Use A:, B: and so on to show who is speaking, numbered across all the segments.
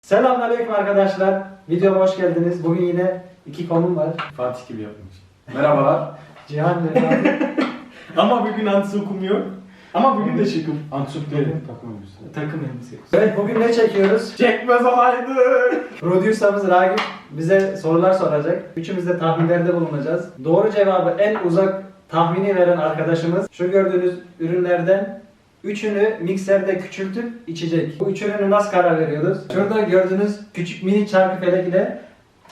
A: Selamünaleyküm arkadaşlar. Videoma hoş geldiniz. Bugün yine iki konum var.
B: Fatih gibi yapmış. Merhabalar.
A: Cihan ve Fatih.
C: Ama bugün antisokum yok. Ama bugün de şıkım.
B: Antup değil, takım elbise.
C: Takım elbise.
A: Evet, bugün ne çekiyoruz?
B: Çekmez olaydık.
A: Producer'ımız Ragip bize sorular soracak. Üçümüz de tahminlerde bulunacağız. Doğru cevabı en uzak tahmini veren arkadaşımız şu gördüğünüz ürünlerden üçünü mikserde küçültüp içecek. Bu üç ürünü nasıl karar veriyoruz? Şurada gördüğünüz küçük mini çarkı felek ile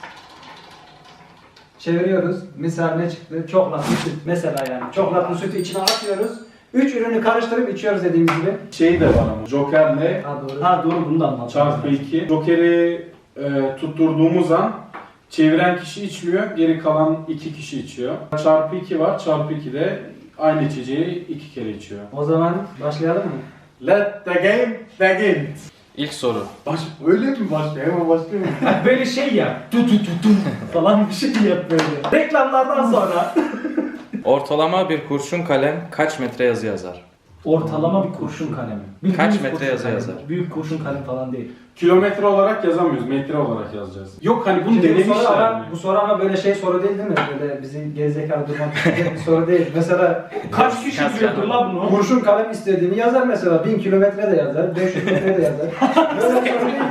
A: çeviriyoruz. Misal ne çıktı? Çoklatlı süt. Mesela yani. Çoklatlı sütü içine atıyoruz. Üç ürünü karıştırıp içiyoruz dediğimiz gibi.
B: Şey de var ama. Joker'le
A: Ha doğru.
C: Ha doğru, bunu da anlattım.
B: çarpı 2. Joker'i tutturduğumuz an çeviren kişi içmiyor. Geri kalan 2 kişi içiyor. Çarpı 2 var. Çarpı 2 de aynı içeceği 2 kere içiyor.
A: O zaman başlayalım mı?
B: Let the game begin.
D: İlk soru.
B: Öyle mi başlıyor? Hemen başlıyor mu?
C: Böyle şey ya. Tu falan bir şey yap böyle. Reklamlardan sonra.
D: Ortalama bir kurşun kalem kaç metre yazı yazar?
C: Ortalama bir kurşun kalemi.
D: Kaç
C: Bildiğimiz
D: metre
C: kurşun
D: yazı
C: kalemi.
D: yazar?
C: Büyük kurşun kalem falan değil.
B: Kilometre olarak yazamıyoruz. Metre olarak yazacağız. Yok hani bunu
A: Şimdi bu soru,
B: denemişler
A: ama,
B: mi?
A: bu soru ama böyle şey soru değil mi? Böyle bizi gerizekalı durmak isteyecek bir soru değil. Mesela
C: Kaç kişi
D: Kaç
C: biliyordur
D: yani?
C: la bunu?
A: kurşun kalem istediğini yazar mesela. 1000 kilometre de yazar, 500 metre de yazar. Böyle bir soru değil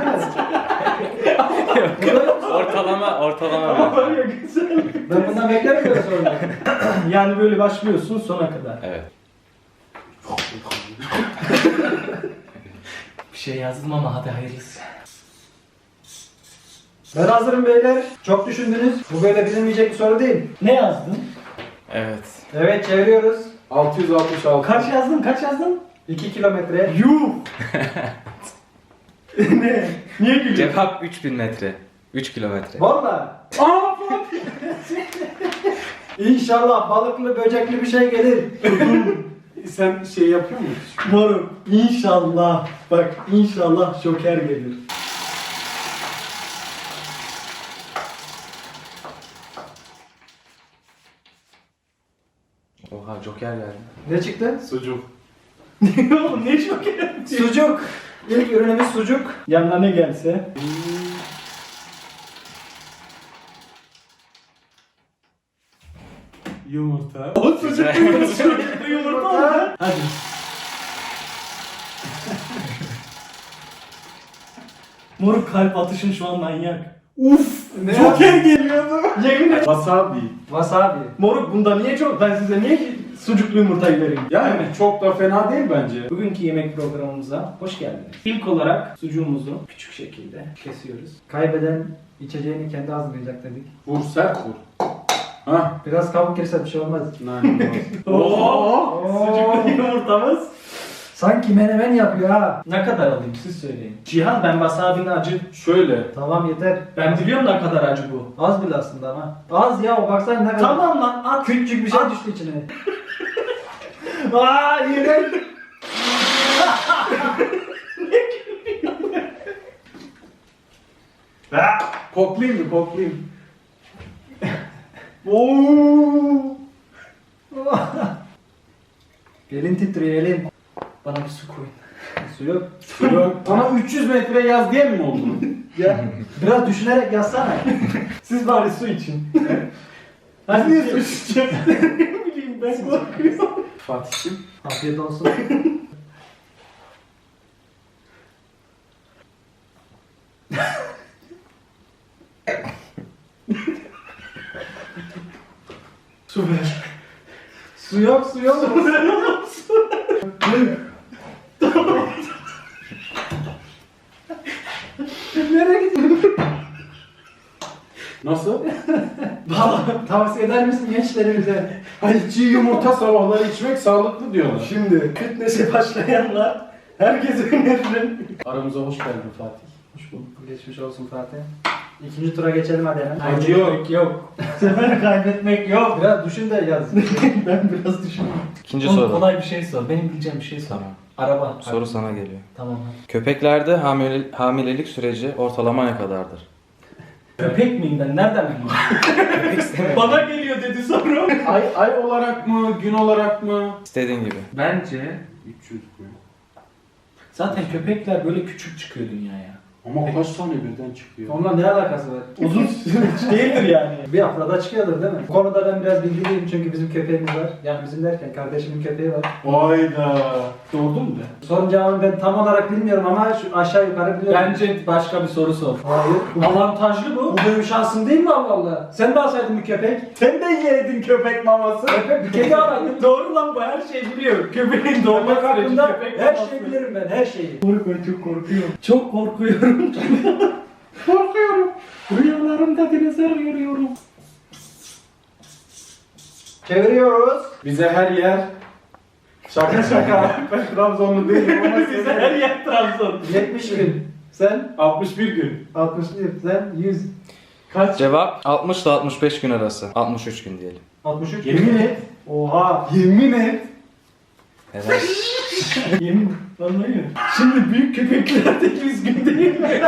A: mi?
D: Ortalama
C: Var
D: bir.
C: ya güzel.
A: Ben bundan beklerim böyle soruları.
C: Yani böyle başlıyorsun sona kadar.
D: Evet.
C: Bir şey yazdım ama hadi hayırlısı.
A: Ben hazırım beyler. Çok düşündünüz. Bu böyle bilinmeyecek bir soru değil.
C: Ne yazdın?
D: Evet.
A: Evet, çeviriyoruz.
B: 666.
C: Kaç yazdın? Kaç yazdın?
A: 2 kilometre.
C: Yuh! Ne? Niye gülüyorsun?
D: Cevap 3000 metre. 3 kilometre.
A: Valla.
C: Aa!
A: İnşallah balıklı böcekli bir şey gelir.
B: Sen şey yapıyor musun?
C: Moruk, inşallah. Bak, inşallah Joker gelir.
D: Oha Joker geldi.
A: Ne çıktı?
B: Sucuk.
C: Oğlum ne Joker?
A: Sucuk. İlk ürünümüz sucuk.
C: Yanına ne gelse?
B: Yumurta.
C: O sucuk yumurta oldu. Hadi. Moruk, kalp atışın şu an manyak. Uf!
A: Ne
C: Joker geliyordu. Yemin et.
B: Wasabi.
A: Wasabi.
C: Moruk, bunda niye çok? Ben size niye sucuklu yumurtayı vereyim?
B: Yani çok da fena değil bence.
C: Bugünkü yemek programımıza hoş geldiniz. İlk olarak sucuğumuzu küçük şekilde kesiyoruz.
A: Kaybeden içeceğini kendi hazırlayacak dedik.
B: Vur sert vur. Hah.
A: Biraz kabuk girse bir şey olmaz.
B: Nane
C: Oo! Sucuklu yumurtamız.
A: Sanki menemen yapıyor ha.
C: Ne kadar alayım siz söyleyin. Cihan, ben wasabi'nin acı.
B: Şöyle.
A: Tamam yeter.
C: Ben biliyorum ne kadar acı bu.
A: Az bile aslında ama. Az ya, o baksana ne kadar.
C: Tamam lan, at.
A: Küçücük bir şey
C: At.
A: düştü içine.
C: Aa, iğrenç.
B: Koklayayım mı? Koklayayım.
C: Oo!
A: Elin titriyor elin.
C: Bana bir su koyun.
A: Su yok.
B: Yok. Ama 300 metre yaz diye mi oldu?
A: Ya biraz düşünerek yazsana.
C: Siz bari su için. Hadi niye su içeceğim? Ne bileyim, ben korkuyorum.
B: Fatih'im.
A: Afiyet olsun.
C: Su ver.
A: Su yok, su yok.
C: Su ver oğlum, su.
A: Nereye gidiyorsun?
B: Nasıl?
A: Tavsiye eder misin gençlerimize?
B: Hani çiğ yumurta sabahları içmek sağlıklı diyorlar.
C: Şimdi fitness'e başlayanlar herkese öneririm.
B: Aramıza hoş geldin Fatih.
A: Hoş bulduk. Geçmiş olsun Fatih. İkinci tura geçelim hadi hemen.
B: Acı yok.
C: Kaybetmek yok. Bu sefer kaybetmek yok.
A: Biraz düşün de yaz.
C: Ben biraz düşündüm.
D: İkinci
C: Oğlum,
D: soru.
C: kolay bir şey sor. Benim bileceğim bir şey sor.
D: Tamam.
C: Araba.
D: Soru sana geliyor.
C: Tamam.
D: Köpeklerde hamilelik süreci ortalama ne kadardır?
C: Köpek miyim ben? Nereden bileyim? Bana geliyor dedi soru.
B: Ay olarak mı, gün olarak mı?
D: İstediğin gibi.
C: Bence
B: 300 mü?
C: zaten köpekler böyle küçük çıkıyor dünyaya.
B: Ama kaç tane birden çıkıyor?
A: Onunla ne alakası var?
C: Uzun değildir yani.
A: Bir haftada çıkıyordur değil mi? Bu konuda ben biraz bilgiliyim çünkü bizim köpeğimiz var. Yani bizim derken kardeşimin köpeği var.
B: Hayda.
C: Doğurdun mu de?
A: Sorun cevabını ben tam olarak bilmiyorum ama şu aşağı yukarı biliyorum.
C: Bence başka bir soru sor.
A: Hayır.
C: Avantajlı bu.
A: Bu benim şansım değil mi Allah Allah? Sen de alsaydın bir köpek.
C: Sen de yedin köpek maması.
A: Köpek bir kedi alaydın.
C: Doğru lan bu her şeyi biliyor. Köpeğin doğma
A: Köpek
C: süreci,
A: hakkında
C: köpek
A: her
C: maması.
A: şeyi bilirim ben, her şeyi.
C: Ben çok korkuyorum. Çok korkuyorum. Korkuyorum. Rüyalarımda dinozor görüyorum.
A: Çeviriyoruz.
B: Bize her yer şaka şaka. Ben Trabzonlu değilim ama
C: Bize her yer Trabzon.
A: 70 gün. Sen
B: 61 gün.
A: 61. Sen 100.
C: Kaç?
D: Cevap 60 ile 65 gün arası. 63 gün diyelim.
A: 63.
B: Yemin et.
A: Oha.
B: Yemin et.
D: Evet.
C: Yemin. Vallahi. Şimdi büyük köpeklerde 100 gün değil mi?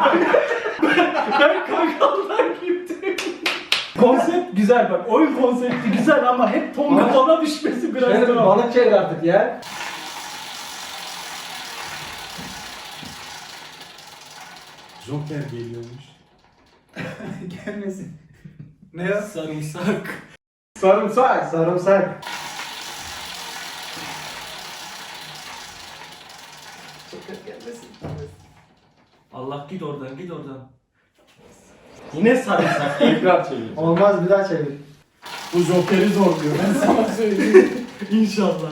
C: Ben kankamdan gittim. Konsept güzel bak. Oyun konsepti güzel ama hep tonga tona düşmesi biraz
A: Şöyle bir
C: zor.
A: balık çevir artık ya.
B: Joker geliyormuş.
A: Gelmesin. Ne ya?
C: Sarımsak.
B: Sarımsak.
A: Sarımsak.
C: Allah git oradan git oradan. Yine sarımsak.
B: Tekrar çevir.
A: Olmaz bir daha çevir.
B: Bu Joker'i zorluyor. Ben sana söyleyeyim.
C: İnşallah.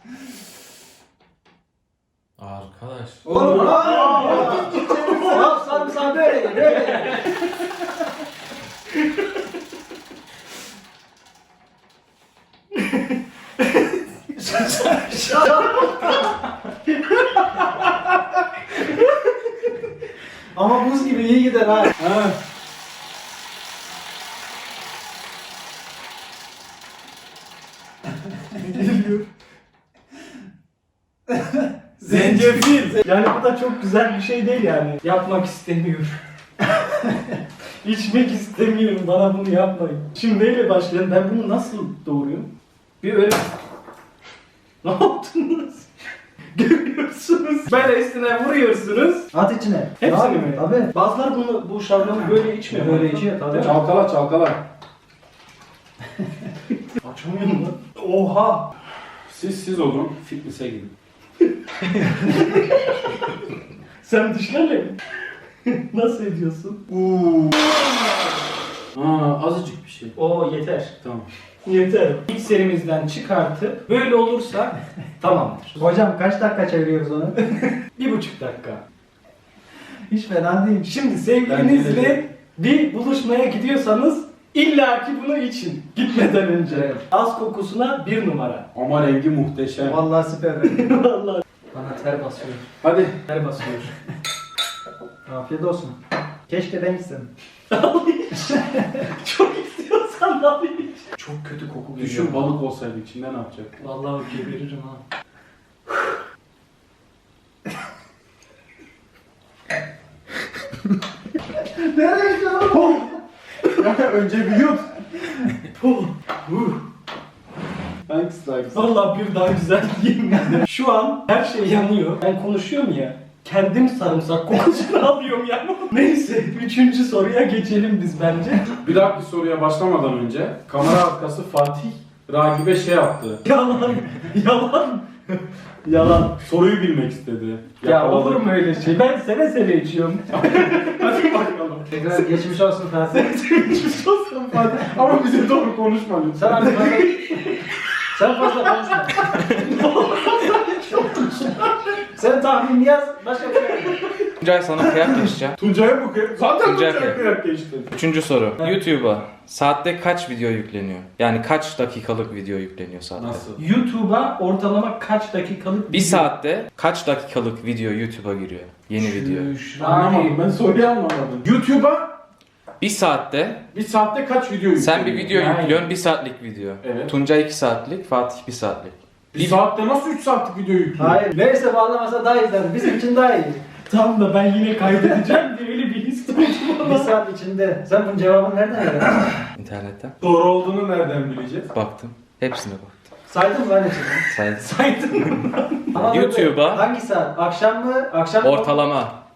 D: Arkadaş.
A: Oğlum Al sarımsağı böyle ye, böyle ye. Ama buz gibi iyi gider ha.
B: Ha.
C: Zencefil. Yani bu da çok güzel bir şey değil yani. Yapmak istemiyorum. İçmek istemiyorum. Bana bunu yapmayın. Şimdi neyle başlayalım? Ben bunu nasıl doğruyum? Bir öyle... Ne yaptınız? Görüyorsunuz. Böyle üstüne vuruyorsunuz.
A: At içine.
C: Hepsini
A: Abi,
C: mi?
A: Tabii.
C: Bazıları bu şalgamı böyle içmiyor.
A: Böyle içiyor tabii.
B: Çalkala çalkala.
C: Açamıyorum lan. Oha.
B: Siz olun. Fitness'e gidin.
C: Sen dışlarla mı? Nasıl ediyorsun?
B: Azıcık bir şey.
C: Oo yeter.
B: Tamam.
C: Yeter. İlk serimizden çıkartıp böyle olursa tamamdır.
A: Hocam kaç dakika çeviriyoruz onu?
C: 1,5 dakika.
A: Hiç fena değil.
C: Şimdi sevgilinizle bir buluşmaya gidiyorsanız illaki bunu için gitmeden önce.
A: Evet.
C: Az kokusuna 1 numara.
B: Ama rengi muhteşem.
A: Vallahi süper.
C: Vallahi. Bana ter basıyor.
B: Hadi.
C: Ter basıyor.
A: Afiyet olsun. Keşke ben gitsem.
C: Çok istiyorsan da bir. Çok kötü koku geliyor.
B: Düşün balık olsaydı içinde ne yapacak?
C: Vallahi geberirim ha.
A: Nereye gidiyorsun?
B: Önce bir yut.
C: Puh.
B: Hangisi daha güzel?
C: Vallahi bir daha güzel diyeyim. Şu an her şey yanıyor. Ben konuşuyorum ya. Kendim sarımsak kokusunu alıyorum yani. Neyse 3. soruya geçelim biz bence.
B: Bir dahaki soruya başlamadan önce kamera arkası Fatih Ragibe şey yaptı.
C: Yalan. Yalan. Yalan.
B: Soruyu bilmek istedi.
C: Ya
B: Yakaladı.
C: olur mu öyle şey? Ben seve seve içiyorum.
B: Hadi bakalım.
A: Tekrar geçmiş olsun Fatih.
B: Geçmiş olsun Fatih. Ama bize doğru konuşma lütfen.
A: Sen artık fazla... Sen fazla konuşma. Sen tahmin yaz, başka bir şey yapma.
D: Tuncay sana kıyak geçeceğim.
B: Tuncay'a bu kere... Zaten
D: Tuncay
B: Tuncay'a
D: kıyak.
B: kıyak geçti.
D: 3. soru. YouTube'a saatte kaç video yükleniyor? Yani kaç dakikalık video yükleniyor saatte?
B: Nasıl?
C: YouTube'a ortalama kaç dakikalık
D: Bir saatte kaç dakikalık video YouTube'a giriyor? Yeni video.
B: Anlamadım. Ben soruyu anlamadım. YouTube'a
D: Bir saatte
B: bir saatte kaç video yüklüyor?
D: sen bir video
C: Yani.
D: yüklüyorsun, 1 saatlik video.
B: Evet.
D: Tuncay 2 saatlik, Fatih 1 saatlik.
B: Bir saatte nasıl 3 saatlik video yüklüyor?
A: Hayır, neyse bağlamasa daha iyi zaten. Bizim için daha iyi.
C: Tam da ben yine kaydedeceğim diye öyle bir his duydum
A: Bir
C: ama.
A: saat içinde. Sen bunun cevabını nereden öğrendin?
D: İnternetten
B: Doğru olduğunu nereden bileceğiz?
D: baktım. Hepsine baktım.
A: Saydın mı lan içinde?
D: Saydım.
C: Saydın mı?
A: Ama
D: YouTube'a-
A: Hangi saat? Akşam mı? Akşam mı?
D: Ortalama.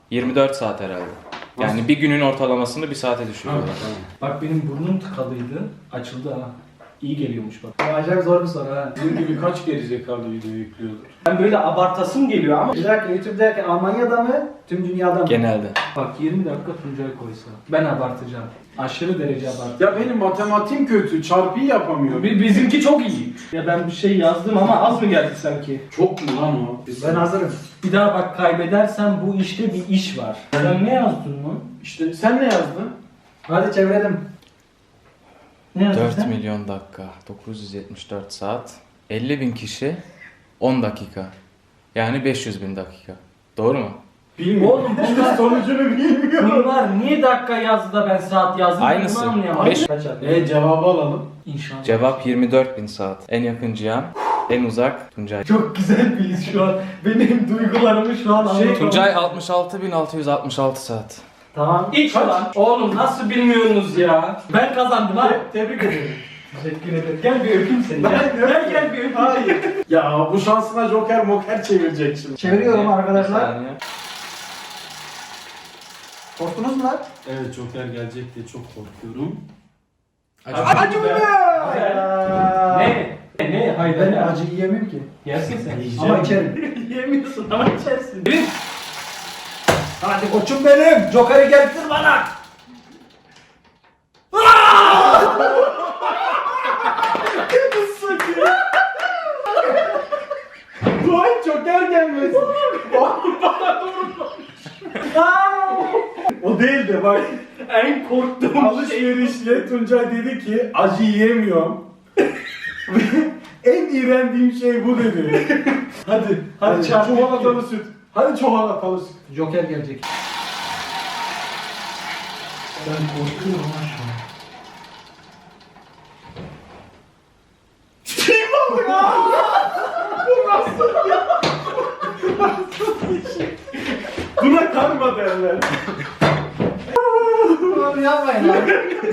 D: 24 saat herhalde. Yani bir günün ortalamasını bir saate düşürüyorlar.
C: Bak benim burnum tıkalıydı. Açıldı ha. İyi geliyormuş bak.
A: Bu acayip zor bir soru ha.
B: Bizim gibi kaç gerizekalı video yüklüyordur?
C: Ben böyle abartasım geliyor ama.
A: Bir dakika YouTube derken Almanya'da mı? Tüm dünyada mı?
D: Genelde.
C: Bak 20 dakika Tuncay koysa. Ben abartacağım. Aşırı derece abartacağım.
B: Ya benim matematiğim kötü, çarpıyı yapamıyorum.
C: Bizimki çok iyi. Ya ben bir şey yazdım ama az mı geldi sanki?
B: Çok mu lan o?
A: Ben hazırım.
C: Bir daha bak kaybedersen bu işte bir iş var. Sen ne yazdın mı?
B: İşte sen ne yazdın?
A: Hadi çevirelim.
C: Ne yazdın
D: 4
C: sen?
D: milyon dakika, 974 saat, 50 bin kişi, 10 dakika. Yani 500 bin dakika. Doğru mu?
B: Bilmiyorum.
C: Oğlum bunlar
B: Sonucunu bilmiyorum.
C: bunlar niye dakika yazdı da ben saat yazdım?
D: Aynısı.
C: Bunu anlayamadım.
D: Beş-
A: Kaç yaptın?
B: Cevabı alalım.
C: İnşallah.
D: Cevap 24 bin saat. En yakın Cihan, en uzak Tuncay.
C: Çok güzel bir his şu an. Benim duygularımı şu an anlatamam.
D: Tuncay 66.666 saat.
A: Tamam.
C: İç lan. Oğlum nasıl bilmiyorsunuz ya? Ben kazandım ha.
B: Tebrik ederim.
C: Teşekkür ederim. Gel bir öpeyim seni. Gel bir öpeyim.
B: Hayır. Ya bu şansına joker moker çevirecek şimdi.
A: Çeviriyorum
D: Bir
A: arkadaşlar.
D: saniye.
A: Korktunuz mu lan?
B: Evet joker gelecek diye çok korkuyorum.
C: Acı mı? Ne? Ne? Hayır
A: Ben acı yiyemiyorum ki.
C: Yersin sen.
A: Ama içerim.
C: Yemiyorsun ama içersin.
A: Hadi koçum benim. Joker'i getir bana.
B: Lan joker gelmesin. O değil de bak.
C: En korktuğum
B: Alışverişle Tuncay dedi ki acı yiyemiyorum. En iğrendiğim şey bu dedi. Hadi, hadi çikolatalı süt. Hadi çikolatalı süt.
A: Joker gelecek.
C: Ben korkuyorum ha şu an.
B: Buna karma derler.
A: Bunu yapmayın lan.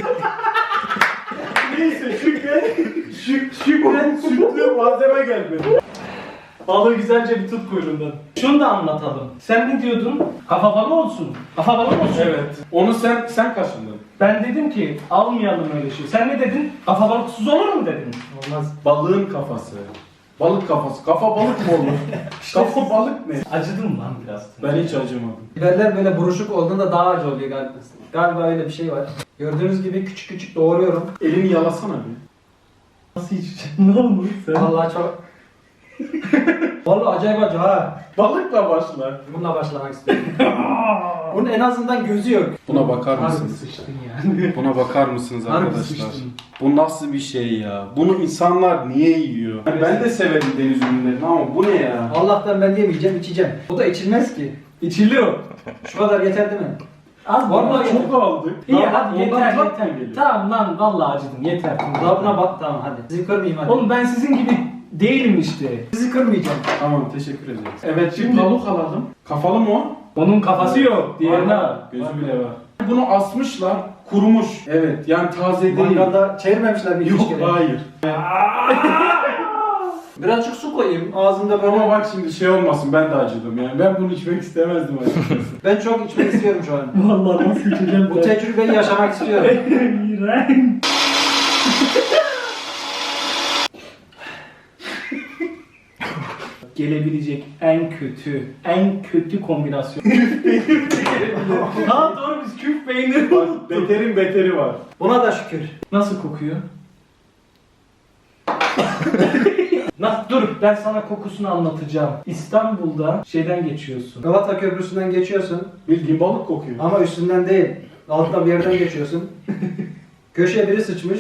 B: Neyse şükren sütlü malzeme gelmedi.
C: Balığı güzelce bir tut kuyruğundan. Şunu da anlatalım. Sen ne diyordun? Kafa balı olsun. Kafa balı olsun.
B: Evet. Onu sen kaşındın.
C: Ben dedim ki almayalım öyle şey. Sen ne dedin? Kafa balıksız olur mu dedin?
A: Olmaz.
B: Balığın kafası. Balık kafası. Kafa balık mı olur? Kafa balık ne?
C: Acıdım lan biraz.
B: Ben hiç acımadım.
A: Biberler böyle buruşuk olduğunda daha acı oluyor galiba. Galiba öyle bir şey var. Gördüğünüz gibi küçük küçük doğruyorum.
B: Elini yalasana bir.
C: Nasıl içeceksin? Ne olmuş sen?
A: Vallahi çok... Vallahi acayip acı ha.
B: Balıkla başlar.
A: Bununla başlamak istiyorum. Bunun en azından gözü yok.
B: Buna bakar
C: Harbi
B: mısınız?
C: sıçtın yani.
B: Buna bakar mısınız
C: Harbi
B: arkadaşlar?
C: sıçtın.
B: Bu nasıl bir şey ya? Bunu insanlar niye yiyor? Yani ben de severim deniz ürünlerini ama bu ne ya?
A: Allah'tan ben yemeyeceğim, içeceğim. Bu da içilmez ki.
C: İçiliyor.
A: Şu kadar yeter değil mi?
C: Az
B: Vallahi
C: yeter.
B: çok aldık.
C: İyi
B: Daha
C: hadi
B: ondan
C: yeter
B: tat
C: yeter.
B: mı geliyor?
C: Tamam lan vallahi acıdım yeter.
A: Daha buna bak, tamam hadi. Sizi kırmayayım hadi.
C: Oğlum ben sizin gibi değilim işte.
A: Sizi kırmayacağım.
B: Tamam teşekkür ederiz. Evet şimdi tavuk alalım. Kafalı mı o?
C: Onun kafası yok. Diğerine
B: Var,
C: al.
B: gözü bile var. Bunu asmışlar, kurumuş. Evet yani taze değil.
A: Mangalda çevirmemişler bir
B: Yok
A: iki kere.
B: hayır.
A: Birazcık su koyayım ağzımda böyle.
B: Ama bak şimdi şey olmasın ben de acıdım yani. Ben bunu içmek istemezdim açıkçası.
A: Ben çok içmek istiyorum şu an.
C: Vallahi nasıl içeceğim
A: Bu tecrübeyi yaşamak istiyorum.
C: İğrenç. Gelebilecek en kötü kombinasyon. Ha doğru biz küf peyniri
B: Bak beterin beteri var.
A: Buna da şükür.
C: Nasıl kokuyor? Nasıl? Dur ben sana kokusunu anlatacağım. İstanbul'da şeyden geçiyorsun.
A: Galata Köprüsü'nden geçiyorsun
B: Bildiğin balık kokuyor.
A: ama üstünden değil. Alttan bir yerden geçiyorsun. Köşeye biri sıçmış.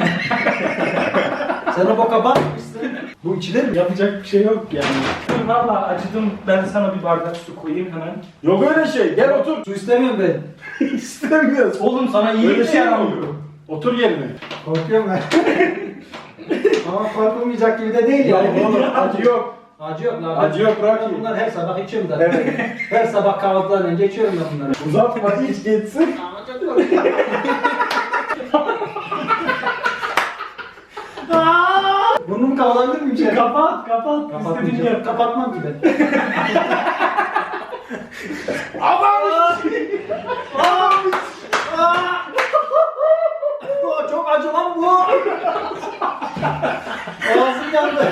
A: Sen o boka bakmışsın. Bu içilir mi?
C: Yapacak bir şey yok yani. Dur valla acıdım. Ben sana bir bardak su koyayım hemen.
B: Yok öyle şey. Gel otur.
A: Su istemiyorum ben.
B: İstemiyoruz.
C: Oğlum sana iyi
B: Öyle
C: bir
B: şey
C: şey
B: mi
C: yaramıyor.
B: oluyor? Otur yerine.
A: Korkuyorum ben. Ama korkulmayacak gibi de değil
B: Ya
A: yani.
B: oğlum acı yok.
A: Acı yok lan.
B: Acı yok, bırak
A: Ben
B: iyi.
A: bunları her sabah içiyorum da.
B: Evet.
A: Her sabah kahvaltıdan önce içiyorum ben bunları.
B: Uzatma iç geçsin.
A: Ama çok korkuyorum. Burnumu kapatabilir miyim şey?
C: Kapat.
A: Kapatmayacağım.
C: İstediğin yer.
A: Kapatmam ki ben. Çok acı lan bu. Ağzım yandı.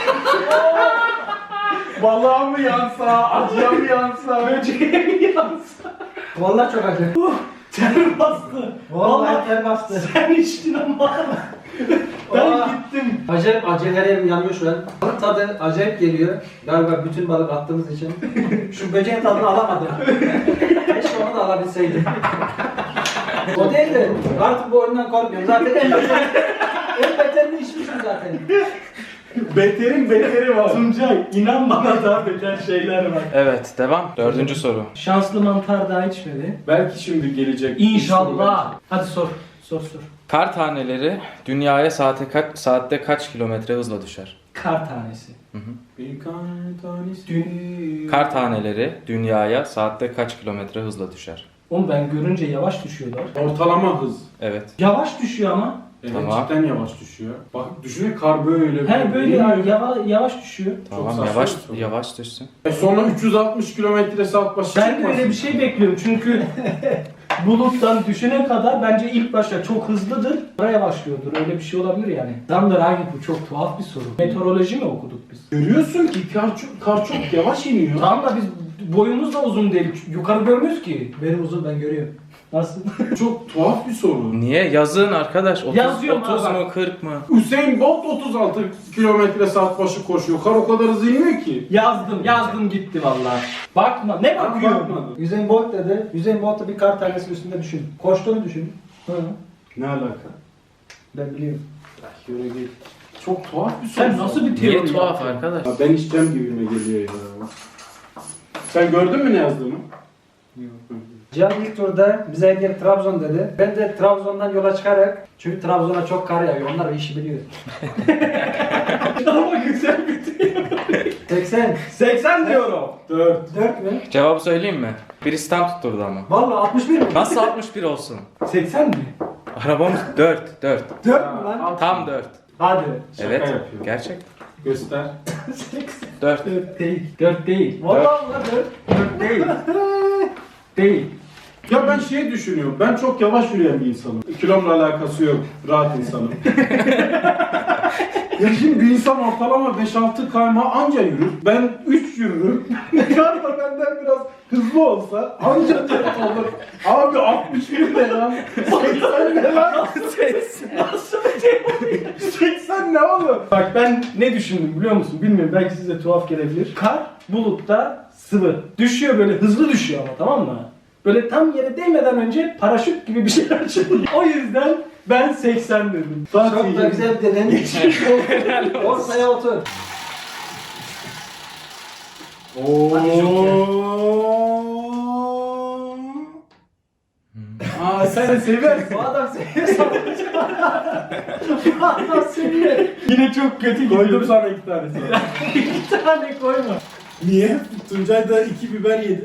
B: Balığa mı yansa, acıya mı yansa?
C: Böceğe mi yansa?
A: Vallahi çok acı.
C: Ter bastı.
A: Vallahi ter bastı.
C: Sen içtin ama. Ben
A: Aa.
C: gittim.
A: Acayip acı, her yerim yanıyor şu an. Balık tadı acayip geliyor. Galiba bütün balık attığımız için. Şu böceğin tadını alamadım. Keşke onu da alabilseydim. O değil de artık bu oyundan korkmuyorum. Zaten en beterini içmişim zaten.
B: Beterin beteri var.
C: Tuncay inan bana daha beter şeyler var.
D: Evet, devam. 4. soru.
C: Şanslı mantar daha içmedi.
B: Belki şimdi gelecek.
C: İnşallah. Hadi sor. Sor.
D: Kar taneleri dünyaya saatte kaç kilometre hızla düşer?
C: Kar tanesi.
B: Bir tanesi.
D: Kar taneleri dünyaya saatte kaç kilometre hızla düşer?
C: Oğlum ben görünce yavaş düşüyorlar.
B: Ortalama hız.
D: Evet.
C: Yavaş düşüyor ama.
B: Evet,
D: Tamam.
B: cidden yavaş düşüyor. Bak düşünün kar böyle.
C: He böyle yavaş düşüyor.
D: Tamam,
B: saçma
D: yavaş
B: bir soru.
D: yavaş düşsün.
B: Sonra 360 kilometre saat başı
C: Ben de
B: çıkmasın.
C: öyle bir şey bekliyorum çünkü buluttan düşene kadar bence ilk başta çok hızlıdır, sonra yavaşlıyordur. Öyle bir şey olabilir yani. Damdır abi bu çok tuhaf bir soru. Meteoroloji mi okuduk biz?
B: Görüyorsun ki kar çok yavaş iniyor.
C: Tamam da biz boyumuz da uzun değil. Yukarı görmüyoruz ki.
A: Benim uzun, ben görüyorum.
C: Nasıl?
B: Çok tuhaf bir soru.
D: Niye? Yazın arkadaş. 30,
C: Yazıyorum
D: 30
C: abi.
D: mu 40 mı?
B: Hüseyin Bolt 36 kilometre saat başı koşuyor. Kar o kadar hızlı inmiyor ki.
C: Yazdım gitti vallahi. Bakma ne bakıyorsun?
B: Bakmadım.
A: Usain Bolt dedi. Usain Bolt'u bir kar tanesi üstünde düşün. Koştuğunu düşün.
C: Hı.
B: Ne alaka?
A: Ben biliyorum.
B: Yürü git. Çok tuhaf bir soru.
C: Sen nasıl bir
D: Niye
C: teori
D: tuhaf
C: yaptın?
D: arkadaş?
B: Ya ben içeceğim gibime geliyor ya. Sen gördün mü ne yazdığımı?
A: Cihan ilk turda bize hediye Trabzon dedi. Ben de Trabzon'dan yola çıkarak, çünkü Trabzon'a çok kar yağıyor. Onlar işi biliyor.
C: Ama güzel bir teori.
A: 80.
C: 80 diyorum.
B: 4.
A: 4 mü?
D: Cevabı söyleyeyim mi? Birisi tam tutturdu ama.
A: Vallahi 61 mi?
D: Nasıl 61 olsun?
C: 80 mi?
D: Arabamız 4.
A: 4 mü lan?
D: Tam 4.
A: Hadi.
B: Şaka
D: Evet.
B: yapıyor.
D: Gerçek.
B: Göster.
D: 4.
C: 4 değil. 4 değil.
A: Vallahi lan 4.
C: 4 değil. Değil.
B: Ya ben şey düşünüyorum. Ben çok yavaş yürüyen bir insanım. Kilomla alakası yok. Rahat insanım. Ya şimdi bir insan ortalama 5-6 kayma anca yürür. Ben 3 yürürüm. Kar da benden biraz hızlı olsa anca 4 olur. Abi 61 ne lan? 80 ne lan?
C: Nasıl bir teori?
B: 80 ne oğlum?
C: Bak ben ne düşündüm biliyor musun? Bilmiyorum belki size tuhaf gelebilir. Kar bulutta sıvı. Düşüyor böyle hızlı düşüyor ama tamam mı? Böyle tam yere değmeden önce paraşüt gibi bir şey açılıyor. O yüzden ben 80 dedim.
A: Çok da güzel bir deden. Ortaya otur.
B: Aa sen seversin.
A: Bu adam seviyor. Bu adam seviyor.
C: Yine çok kötü
B: Koydum
C: gidiyorum.
B: sana 2 tane sonra.
C: 2 tane koyma.
B: Niye? Tuncay da 2 biber yedi.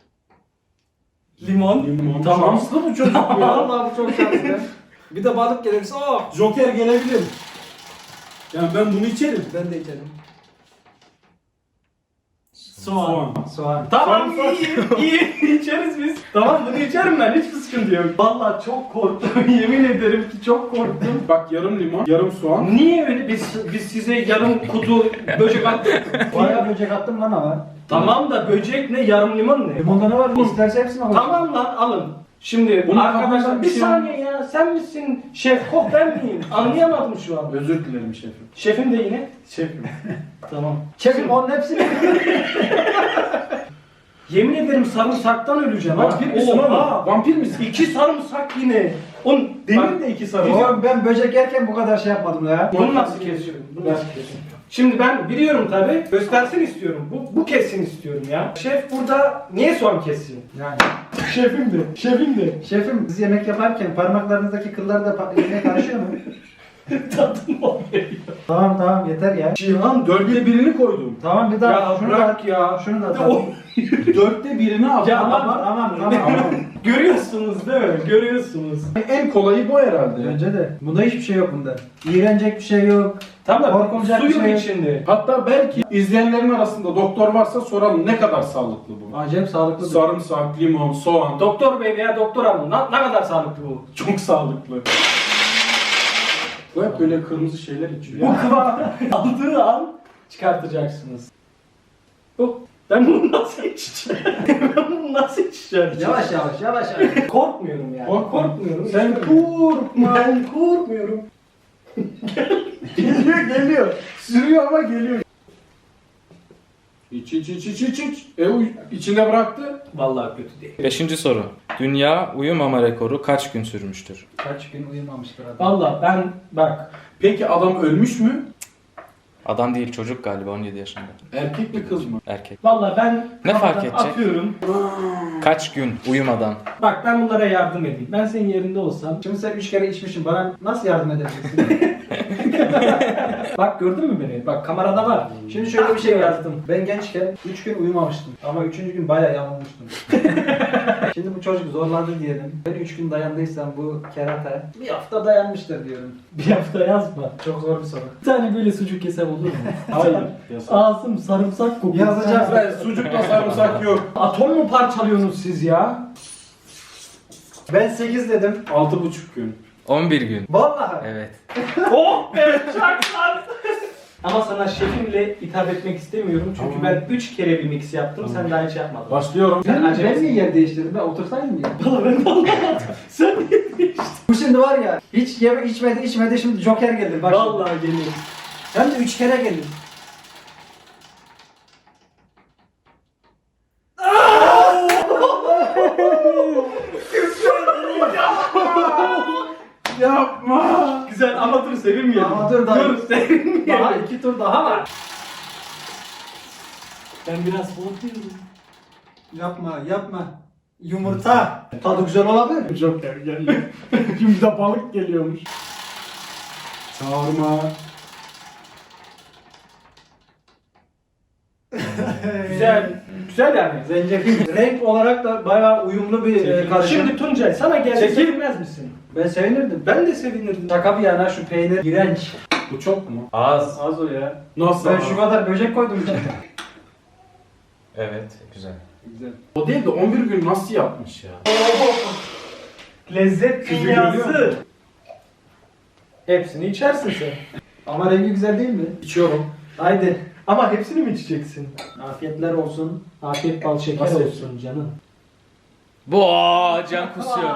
C: Limon.
B: Limon.
C: Tamam.
B: Şanslı bu çocuk ya.
A: Vallahi bu çok şanslı. Bir de balık gelirse oh.
B: Joker gelebilir. Yani ben bunu içerim.
A: Ben de içerim.
C: Soğan.
A: Soğan.
C: Tamam
B: Soğan.
C: iyi içeriz biz. Tamam bunu içerim ben hiçbir sıkıntı yok. Vallahi çok korktum yemin ederim ki çok korktum.
B: Bak yarım limon, yarım soğan.
C: Niye öyle biz size yarım kutu böcek attık.
A: Bayağı böcek attım lan ama.
C: Tamam da böcek ne yarım limon ne?
A: Limonda ne var? İsterse hepsini al.
C: Tamam lan alın. Şimdi
B: Bunun
C: arkadaşlar
B: kafasında
C: bir
B: bir şey
C: saniye ya sen misin şef kok ben miyim? Anlayamadım şu an.
B: Özür dilerim şefim.
C: Şefim de yine.
B: Şefim.
C: Tamam.
A: Çekin onun hepsini.
C: Yemin ederim sarımsaktan öleceğim ha.
B: Vampir misin oğlum?
C: Oha!
B: Vampir misin?
C: 2 sarımsak yine. Oğlum demin de 2 sarımsak.
A: Oğlum ben böcek yerken bu kadar şey yapmadım ya.
C: Bunu nasıl kesiyorum? Bunu nasıl kesiyorum? Şimdi ben biliyorum tabi. Göstersin istiyorum. Bu kessin istiyorum ya. Şef burada niye soğan kessin?
A: Yani.
C: Şefim de. Şefim de.
A: Şefim siz yemek yaparken parmaklarınızdaki kıllar da yemeğe karışıyor mu?
C: Tadım o geliyor.
A: Tamam yeter ya.
B: Cihan 4'te 1'ini koydum.
A: Tamam bir daha
C: Ya
A: şunu
C: bırak
A: da
C: ya.
A: şunu da
C: O-
A: tamam.
B: 4'te 1'ini al.
C: Ya
A: Tamam.
C: Görüyorsunuz değil mi? Görüyorsunuz.
B: En kolayı bu herhalde.
A: Bence de. Bunda hiçbir şey yok bunda. İğrenecek bir şey yok.
C: Tamam da
A: Korkulacak bir
C: suyun
A: şey yok.
C: içinde.
B: Hatta belki izleyenlerin arasında doktor varsa soralım ne kadar sağlıklı bu?
A: Acayip sağlıklı.
B: Sarımsak, limon, soğan.
C: Doktor bey veya doktor hanım ne kadar sağlıklı bu?
B: Çok sağlıklı. Bu hep böyle kırmızı şeyler içiyor.
C: Bu kıvam aldığı an çıkartacaksınız. Bu. Ben bunu nasıl içeceğim? Ben bunu nasıl içeceğim?
A: Yavaş.
C: Korkmuyorum yani. Korkmuyorum.
B: Sen korkma.
C: Ben korkmuyorum.
B: geliyor. Sürüyor ama geliyor. İç. İçinde bıraktı.
C: Vallahi kötü değil.
D: 5. soru. Dünya uyumama rekoru kaç gün sürmüştür?
A: Kaç gün uyumamıştır adam.
C: Vallahi ben bak
B: Peki adam ölmüş mü?
D: Adam değil, çocuk galiba, 17 yaşında.
B: Erkek mi kız mı?
D: Erkek.
C: vallahi ben
D: Ne fark
C: kafadan
D: edecek?
C: atıyorum.
D: Kaç gün uyumadan?
C: Bak ben bunlara yardım edeyim. Ben senin yerinde olsam.
A: Şimdi sen 3 kere içmişsin. Bana nasıl yardım edebilirsin?
C: Bak gördün mü beni? Bak kamerada var.
A: Şimdi şöyle bir şey var.
C: yazdım.
A: Ben gençken 3 gün uyumamıştım. Ama 3. gün bayağı yanılmıştım. Şimdi bu çocuk zorladı diyelim. Ben 3 gün dayandıysam bu kerata bir hafta dayanmıştır diyorum.
C: Bir hafta yazma.
A: Çok zor bir soru.
C: Bir tane böyle sucuk yesem olur mu?
B: Hayır. Yasak.
C: Ağzım sarımsak kokuyor.
A: Yazacağız.
B: Ben sucukla sarımsak yok.
C: Atom mu parçalıyorsunuz siz ya?
A: Ben 8 dedim.
B: 6,5 gün.
D: 11 gün.
A: Vallahi.
D: Evet.
C: Oh be çaklar. Ama sana şefimle hitap etmek istemiyorum çünkü
B: Tamam.
C: ben 3 kere bir mix yaptım sen daha hiç yapmadın.
B: Başlıyorum.
A: Ben niye yer değiştirdim? Ben otursaydım ya.
C: Valla ben anlamadım. Sen niye değiştin?
A: Bu şimdi var ya hiç yeme içmedi şimdi Joker geldi. Bak şimdi.
C: Vallahi geliyorum.
A: Hem de 3 kere geldi.
B: Yapma.
C: Güzel ama dur sevinmeyelim.
A: Ama dur daha.
C: Dur sevinmeyelim.
A: Daha 2 tur daha var.
C: Ben biraz korkuyorum.
A: Yapma. Yumurta. Tadı güzel olabilir.
B: Joker geliyor. Şimdi de balık geliyormuş. Çağırma.
C: Güzel. Güzel yani.
A: Zencefil. Renk olarak da bayağı uyumlu bir karışım.
C: Şimdi Tuncay sana gelse
A: Çekil.
C: sevinmez misin?
A: Ben sevinirdim.
C: Ben de sevinirdim.
A: Şaka bir yana şu peynir iğrenç.
B: Bu çok mu?
D: Az.
C: Az o ya.
B: Nasıl?
A: Ben şu kadar böcek koydum.
D: Evet, güzel.
A: Güzel.
B: O değil de 11 gün nasıl yapmış ya?
C: Lezzet
B: Küfür görüyor
C: dünyası.
B: musun?
C: Hepsini içersin sen.
A: Ama rengi güzel değil mi?
B: İçiyorum.
A: Haydi.
C: Ama hepsini mi içeceksin?
A: Afiyetler olsun.
C: Afiyet bal şeker
B: Nasıl
C: olsun canım.
D: Bu can kusuyor.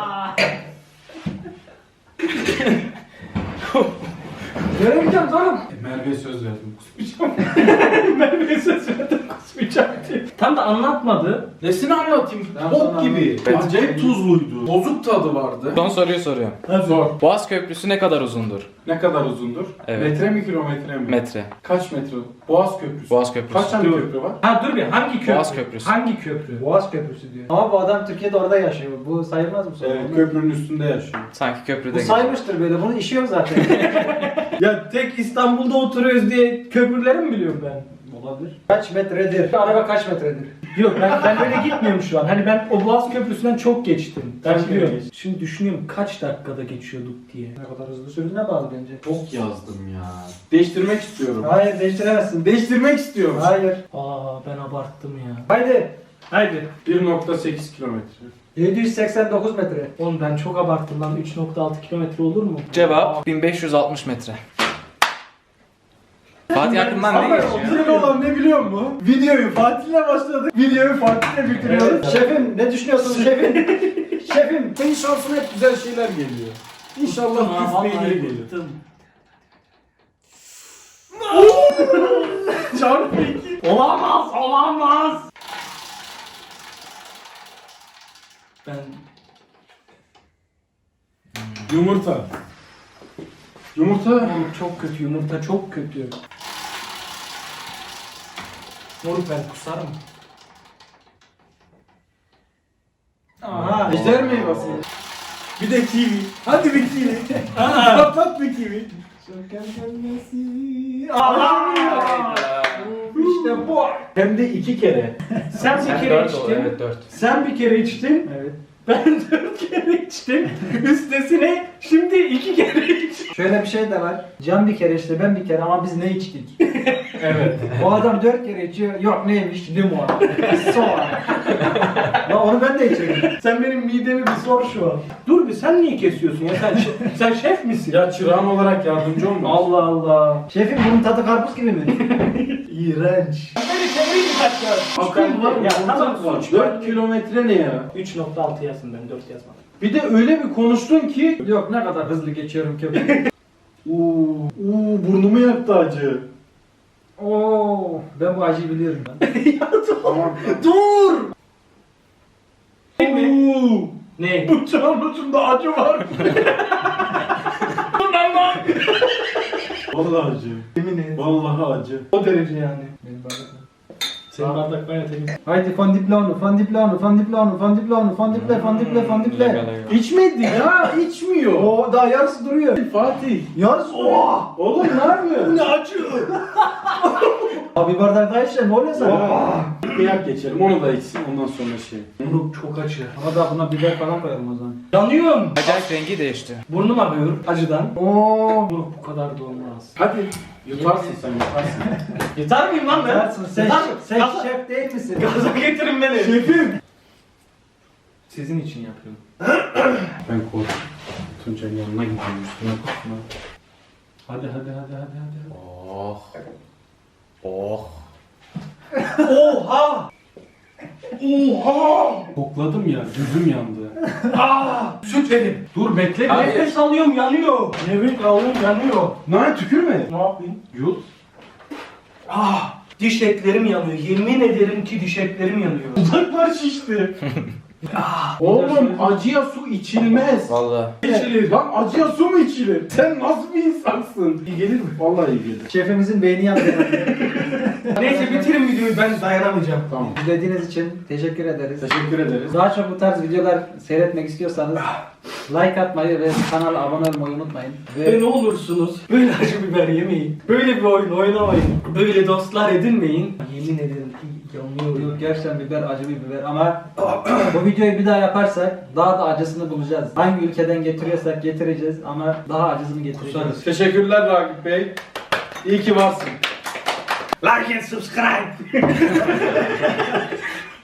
A: Göremeyeceğim canım.
B: Merve'ye söz verdim. Kusmayacağım.
C: Ben bir söz verdim kusmayacağım diye. Tam da anlatmadı.
B: Nesini anlatayım?
A: Ben
B: Bok
A: sana
B: gibi.
A: anlatayım.
B: Acayip tuzluydu. Bozuk tadı vardı.
D: Son soruyu soruyorum.
B: Zor.
D: Boğaz Köprüsü ne kadar uzundur?
B: Ne kadar uzundur?
D: Evet.
B: Metre mi kilometre mi?
D: Metre.
B: Kaç metre? Boğaz Köprüsü.
D: Boğaz Köprüsü.
B: Kaç tane
C: Dur.
B: köprü var?
C: Ha dur bir hangi köprü?
D: Boğaz Köprüsü.
C: Hangi köprü?
A: Boğaz Köprüsü diyor. Ama bu adam Türkiye'de orada yaşıyor. Bu sayılmaz mı?
B: Evet, köprünün üstünde yaşıyor.
D: Sanki köprüde
A: Bu
D: geçiyor.
A: saymıştır böyle. Bunun işi yok zaten.
C: Ya tek İstanbul'da oturuyoruz diye köprüleri mi biliyorum ben?
A: Olabilir. Kaç metredir? Araba kaç metredir?
C: Yok ben böyle gitmiyorum şu an. Hani ben o Boğaz Köprüsü'nden çok geçtim. Ben
B: Kaç
C: biliyorum.
B: kere geçtin?
C: Şimdi düşünüyorum kaç dakikada geçiyorduk diye.
A: Ne kadar hızlı sürdüğüne bağlı bence.
B: Çok yazdım ya. Değiştirmek istiyorum.
A: Hayır değiştiremezsin.
B: Değiştirmek istiyorum.
A: Hayır.
C: Aa ben abarttım ya.
A: Haydi.
C: Haydi.
B: 1,8 kilometre.
A: 789 metre.
C: Oğlum ben çok abarttım lan 3.6 kilometre olur mu?
D: Cevap 1560 metre. Fatih aklından ne
B: Ama
D: geçiyor?
B: güzel olan ne biliyor musun? Videoyu Fatih'le başladık. Videoyu Fatih'le bitiriyoruz.
A: Şefim ne düşünüyorsun şefim? Şefim.
B: Senin şansına hep güzel şeyler geliyor. İnşallah küfle ilgili gelir. Çarpı 2.
C: Olamaz. Ben
B: Yumurta. Yumurta.
C: oğlum çok kötü yumurta çok kötü. Moruk ben kusarım.
A: Aha.
B: Ejder meyvesi. Bir de kivi. Hadi bir kivi. Patlat bir kivi. Şeker gelmesin.
C: İşte bu.
B: Hem de 2 kere.
C: Sen bir kere
D: dört ol,
C: içtin.
D: evet 4.
C: Sen bir kere içtin.
A: Evet.
C: Ben 4 kere içtim. Üstesine şimdi 2 kere içtim.
A: Şöyle bir şey de var. Can bir kere içti, ben bir kere ama biz ne içtik?
C: Evet.
A: O adam 4 kere içiyor. Yok neymiş? Limon. Soğan. Lan onu ben de içerim.
C: Sen benim midemi bir sor şu an. Dur bir sen niye kesiyorsun ya? Sen şef misin?
B: Ya çırağın olarak yardımcı olma.
C: Allah Allah.
A: Şefim bunun tadı karpuz gibi mi?
C: İğrenç. Beni çevireyim kaç ya.
B: Akıl var mı?
C: Ya tamam.
B: 4 kilometre ne ya?
C: 3.6 yazsın ben 4 yazmadım.
B: Bir de öyle bir konuştun ki
A: Yok ne kadar hızlı geçiyorum köpek.
B: uuu burnumu yaktı acı.
A: Oo, ben bu acıyı biliyorum ben.
B: Tamam.
C: Dur!
B: Uuu.
C: Ne?
B: Bıçağın ucunda acı var. Vallahi acı.
C: Yemin et.
B: Vallahi acı.
C: O derece yani.
A: Benim bardak.
C: Senin bardak bayağı temiz.
A: Haydi fondiplonu, fondiplonu, fondiplonu, fondiplonu, fondiple, fondiple, fondiple.
B: İçmedi ya, içmiyor.
A: Oo, daha yarısı duruyor.
B: Fatih.
A: Yarısı
B: Oha! Oğlum ne yapıyorsun?
C: Ne acı?
A: Abi bir bardak daha içeceğim, ne oluyor sana?
B: Oha! Kıyak geçelim, onu da içsin ondan sonra şey.
C: Bunu çok acı.
A: Ama da buna biber falan koyalım o zaman.
C: Yanıyorum.
D: Acayip rengi değişti.
C: Burnum ağrıyor acıdan.
A: Oo.
C: Bu kadar da olmaz.
B: Hadi yutarsın sen yutarsın.
C: Yeter miyim lan ben?
A: Sen,
C: Yeter mi?
A: sen
C: Gaza-
A: şef değil misin?
C: Gaza getirin beni.
B: Şefim!
C: Sizin için yapıyorum.
B: Ben korktum. Tuncay'ın yanına gidiyorum üstüne korkma.
C: Hadi.
D: Oh. Oh.
C: Oha! Oha!
B: Kokladım ya, gözüm yandı.
C: Süt verin.
B: Dur bekle.
D: Hayır.
C: Nefes alıyorum yanıyor. Nefes alıyorum yanıyor.
B: Lan tükürme.
C: Ne yapayım?
B: Yut.
C: Diş etlerim yanıyor. Yemin ederim ki diş etlerim yanıyor.
B: Dudaklar şişti. Oğlum acıya su içilmez.
D: Vallahi.
C: İçilir.
B: Lan acıya su mu içilir? Sen nasıl bir insansın?
C: İyi gelir mi?
B: Vallahi iyi gelir.
A: Şefimizin beyni yandı.
C: Neyse bitirin videoyu ben dayanamayacağım.
B: Tamam.
A: İzlediğiniz için teşekkür ederiz.
B: Teşekkür ederiz.
A: Daha çok bu tarz videolar seyretmek istiyorsanız like atmayı ve kanala abone olmayı unutmayın.
C: Ve ne olursunuz böyle acı biber yemeyin. Böyle bir oyun oynamayın. Böyle dostlar edinmeyin. Yemin ederim ki yanıyorum.
A: Yok, gerçekten biber acı bir biber ama bu videoyu bir daha yaparsak daha da acısını bulacağız. Hangi ülkeden getiriyorsak getireceğiz ama daha acısını getireceğiz.
B: Teşekkürler Ragıp Bey. İyi ki varsın.
C: Like and subscribe.